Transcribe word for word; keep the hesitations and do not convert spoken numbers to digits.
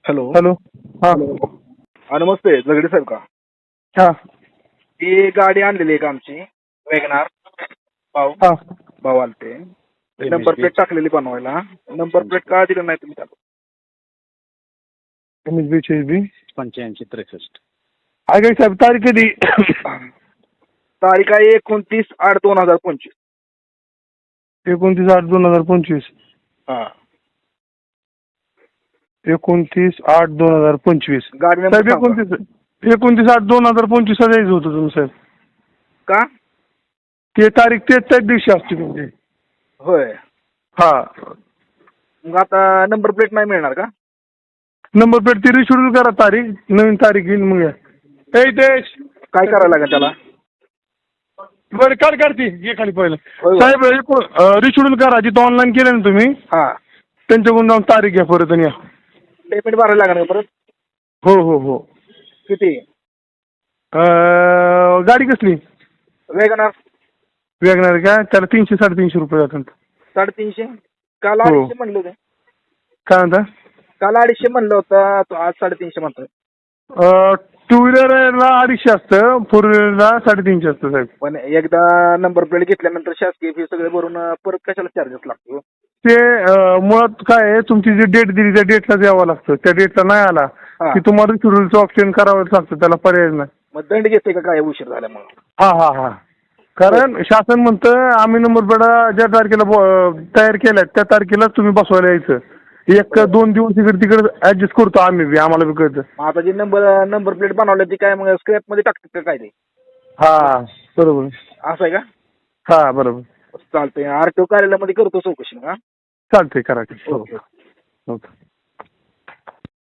Hello hello. हा हा नमस्ते जगडे साहेब का? हा ती गाडी आणलेली आहे का आमची वॅगनार भाऊ हा भाऊ आलते नंबर प्लेट टाकलेली बनवायला. नंबर प्लेट का दिलं नाही तुम्ही त्याला? एम एस बी ची बी पंच्याऐंशी त्रेसष्ट. काय साहेब तारीख कधी? तारीख आहे एकोणतीस आठ दोन हजार पंचवीस. एकोणतीस आठ दोन हजार पंचवीस. हा एकोणतीस आठ दोन हजार पंचवीस. गाडी साहेब नंबर सांगा. एकोणतीस एकोणतीस आठ दोन हजार पंचवीस द्यायचं होतं तुम्ही साहेब. का? ते तारीख ते त्याच दिवशी असते तुमची. होय हा मग आता नंबर प्लेट नाही मिळणार का? नंबर प्लेट ती रिशेड्यूल करा तारीख नवीन तारीख येईल मग या. ए देश काय करायला लागेल त्याला? बरं काढ काढती ये खाली पहिलं. होय. साहेब रिशेड्यूल करा जिथं ऑनलाईन केलं ना तुम्ही हा त्यांच्याकडून जाऊन तारीख घ्या परत आणि या. पेमेंट भरायला लागणार का परत? हो हो हो. किती? अं, गाडी कसली? वॅगनार वॅगनार का? त्याला तीनशे साडेतीनशे रुपये जातात. साडेतीनशे. काल हो. अडीचशे म्हणलं होतं. काय म्हणता? काल अडीचशे म्हणलं होतं तो आज साडेतीनशे म्हणतोय. टू व्हीलरला अडीचशे असतं, फोर व्हीलरला साडेतीनशे असतं साहेब. पण एकदा नंबर प्लेट घेतल्यानंतर शासकीय फी सगळे भरून परत कशाला चार्जेस लागतो? ते अं, मुळात काय आहे तुमची जी डेट दिली त्या डेटला द्यावं लागतं. त्या डेटला नाही आला हा. की तुम्हाला रिशेड्यूलचं ऑप्शन करावं लागतं. त्याला पर्याय नाही. मग दंड घेते का काय उशीर झाल्यामुळे? हा हा हा. कारण शासन म्हणतं आम्ही नंबर प्लेट ज्या तारखेला ब- तयार केल्या त्या तारखेला तुम्ही बसवायला यायचं. एक दोन दिवस इकडे तिकडे ऍडजस्ट करतो आम्ही बी, आम्हाला बी कळतं. मग आता जी नंबर नंबर प्लेट बनवली ती काय मग स्क्रॅप मध्ये टाकतात का काय ते? हा बरोबर. असं आहे का? हा बरोबर. चालतंय. आरटीओ कार्यालयामध्ये करतो चौकशी. हा चालतंय करा. हो ओके. ओके.